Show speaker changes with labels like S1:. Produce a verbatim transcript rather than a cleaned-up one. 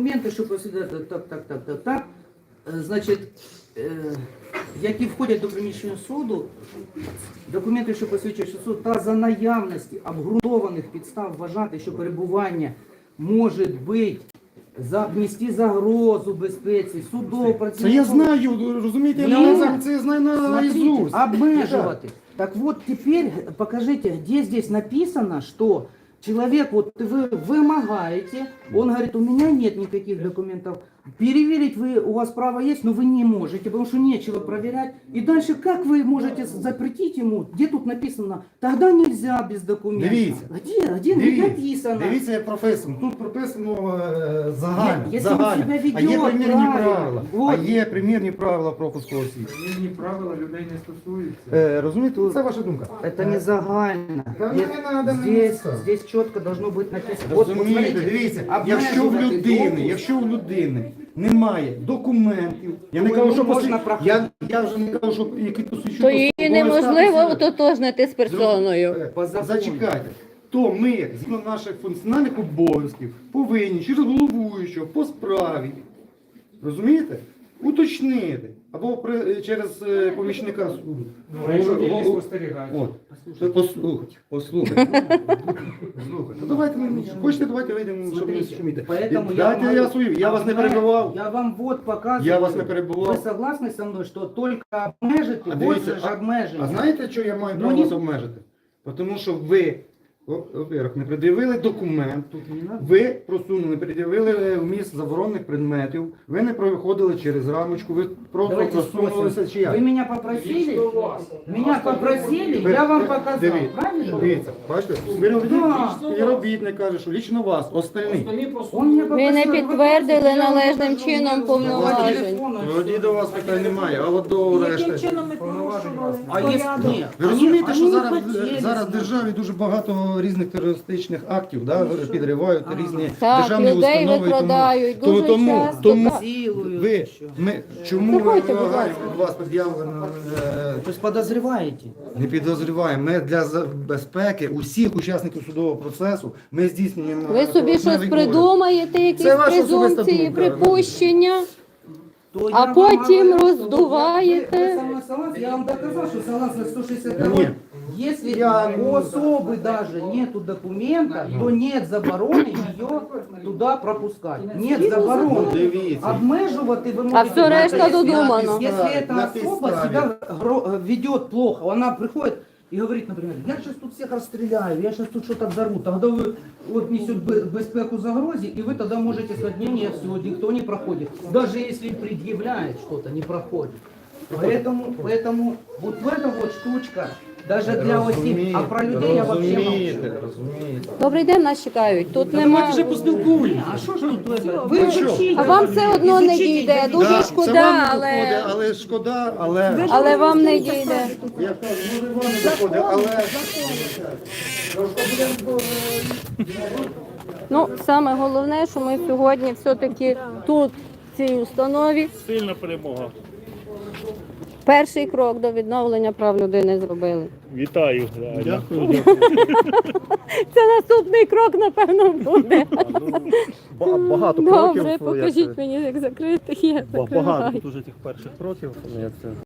S1: документи, що посвідчують так, так, так, так, так, е, значить, е, які входять до приміщення суду, документи, що посвідчують, що суд, та за наявності обґрунтованих підстав вважати, що перебування може бути за нести загрозу безпеці, судового
S2: Це
S1: працівника.
S2: я знаю, розумієте, я
S1: Ну,
S2: не- це я знаю на
S1: Смотрите,
S2: наизусть.
S1: обмеживать. Так вот, теперь покажите, где здесь написано, что человек, вот вы вымогаете, он говорит, у меня нет никаких документов. Переверить вы, у вас право есть, но вы не можете, потому что нечего проверять. И дальше как вы можете запретить ему? Где тут написано? Тогда нельзя без документов.
S2: Дивіться.
S1: Где? Где
S2: Дивіться,
S1: написано?
S2: дивіться, як прописано. Тут прописано е, загально,
S1: Є- якщо він
S2: загально.
S1: себе веде
S2: А є примірні
S1: правильно,
S2: правила.
S1: вот.
S2: А є примірні правила пропуску осіб.
S3: Примірні правила людей не стосуються.
S2: Е, розумієте, це ваша думка.
S1: Это не загально.
S2: Да
S1: Здесь-
S2: не надо мне
S1: здесь,
S2: это.
S1: здесь четко должно быть написано. Вот, вот
S2: Розумієте,
S1: смотрите,
S2: дивіться,
S1: обмежувати
S2: якщо в людини,
S1: допуск,
S2: якщо в людини немає документів, я не
S1: то
S2: кажу,
S1: йому
S2: що
S1: можна
S2: посвід-
S1: проходити.
S2: я, я вже не кажу, що які посвідчують.
S4: То її неможливо ототожнити з персоною.
S2: Е,
S1: По закону.
S2: Зачекайте. То ми, згідно наших функціональних обов'язків, повинні через головуючого по справі, розумієте, уточнити, або при, через е, помічника суду.
S3: Ну, а якщо
S2: Голову-
S3: тільки спостерігач?
S2: От. То послухайте, послухайте. Слухайте. Ну давайте, ми- хочете, давайте вийдемо, щоб не
S1: Смотрите,
S2: шуміти.
S1: поэтому
S2: Дайте
S1: я,
S2: я
S1: вам-
S2: свою, я вас не
S1: обме-
S2: перебивав.
S1: Я вам вот показываю.
S2: Я вас не перебував.
S1: Вы согласны со мной, что только обмежити,
S2: А
S1: вот
S2: дивіться,
S1: же ж
S2: а,
S1: обмеження.
S2: а знаєте, що я маю
S1: Ну,
S2: право
S1: ні.
S2: вас обмежити? Тому що ви, о- во-первых, не пред'явили документ,
S1: Тут не надо.
S2: ви просунули, не пред'явили вміст заборонених предметів, ви не проходили через рамочку, ви просто
S1: Давайте
S2: просунулися
S1: спросим.
S2: чи як?
S1: Вы меня попросили, меня попросили, я вам показал,
S2: Дивіться,
S1: правильно?
S2: дивіться, бачите, співробітник каже, що лічно вас, остальні.
S1: Он мне
S4: Ви
S1: попросил,
S4: не
S1: вы
S4: підтвердили
S1: просите, я вам
S4: належним
S1: покажу,
S4: чином
S1: по
S4: повноважень.
S1: телефону,
S2: Тоді до вас питань немає, а от до решти.
S5: Яким чином ми порушували
S1: А если
S5: порядок?
S1: нет?
S2: Ви розумієте,
S1: Они-
S2: що
S1: они не
S2: зараз,
S1: хотели
S2: зараз в
S1: знать.
S2: державі дуже багато різних терористичних актів, да, підривають різні
S4: Так,
S2: державні
S4: людей
S2: установи. і тому-
S4: викрадають
S2: тому,
S4: дуже
S2: тому,
S4: часто,
S2: тому
S4: так.
S1: Силою
S2: ви,
S1: еще.
S2: ми, чому ми
S4: Заходьте, будь
S2: вимагаємо
S4: ласка.
S2: від вас пред'явлено, е,
S1: То есть подозреваете?
S2: не підозріваємо. Ми для за- безпеки усіх учасників судового процесу ми здійснюємо.
S4: Ви собі щось
S2: поверхневий
S4: придумаєте, якісь
S2: Це ваша особиста
S4: презумпції,
S2: думка.
S4: припущення.
S1: То
S4: А
S1: я вам
S4: потім
S1: говорю, что
S4: роздуваєте.
S1: вы- вы со мной согласны? Я вам доказал, что согласно сто шестьдесят
S2: Нет.
S1: два, если
S2: Я-
S1: у особы даже нету документа, то нет забороны ее туда пропускать. Нет забороны.
S2: Дивіться.
S1: Обмежувати ви
S4: А
S1: можете.
S4: все решта
S1: Если-
S4: додумано.
S1: Если эта
S2: На
S1: особа
S2: підставі.
S1: себя гро- ведет плохо, она приходит и говорит, например, я сейчас тут всех расстреляю, я сейчас тут что-то взорву, тогда вы вот несет бе- безпеку загрозе, и вы тогда можете сказать, не, нет, все, никто не проходит. Даже если предъявляет что-то, не проходит. Поэтому, поэтому вот в эта вот штучка, даже для осіб, а про людей я вообще молчу.
S2: Розумієте, розумієте.
S4: Добрий день, нас чекають. Тут немає.
S1: А що ж тут это? Ви
S2: що?
S1: вчіть.
S4: А вам все одно не
S1: Ізучіть,
S4: дійде.
S1: ідіть.
S4: Дуже
S2: Да, це
S4: шкода,
S2: вам не
S4: але-
S2: доходить, але шкода, але...
S4: Але вам не дійде.
S2: Я кажу, може вам не доходить, але...
S4: Ну, саме головне, що ми сьогодні все-таки тут, в цій установі,
S6: Сильна перемога.
S4: перший крок до відновлення прав людини зробили.
S6: Вітаю. реально.
S2: Дякую.
S4: Це наступний крок, напевно, буде.
S7: Багато кроків.
S4: Добре,
S7: як
S4: покажіть
S7: це,
S4: мені, як закрити. Я
S7: ба-
S4: закриваю.
S7: Багато дуже тих перших кроків. Як це